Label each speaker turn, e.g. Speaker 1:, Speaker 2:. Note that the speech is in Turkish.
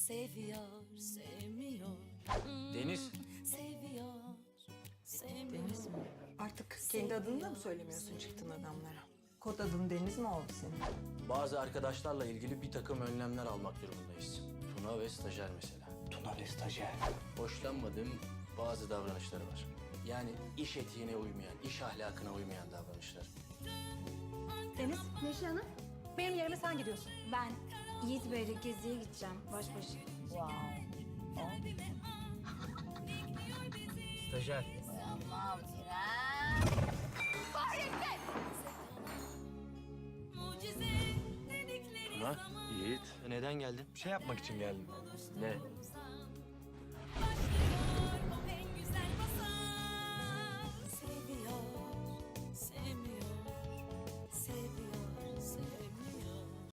Speaker 1: Seviyor, sevmiyor.
Speaker 2: Deniz.
Speaker 1: Seviyor, sevmiyor.
Speaker 3: Deniz mi? Artık kendi adını da mı söylemiyorsun çıktın adamlara? Kod adın Deniz mi oldu senin?
Speaker 2: Bazı arkadaşlarla ilgili bir takım önlemler almak durumundayız. Tuna ve stajyer mesela.
Speaker 3: Tuna ve stajyer.
Speaker 2: Hoşlanmadığım bazı davranışları var. Yani iş etiğine uymayan, iş ahlakına uymayan davranışlar.
Speaker 4: Deniz, Neşe Hanım. Benim yerime sen gidiyorsun.
Speaker 5: Ben Yiğit Bey'le geziye gideceğim baş başa.
Speaker 2: Stajyer.
Speaker 1: Mucize dedikleri
Speaker 2: Tuna,
Speaker 1: zaman
Speaker 2: Yiğit. Neden geldin?
Speaker 6: Bir şey yapmak için geldim.
Speaker 2: Ne?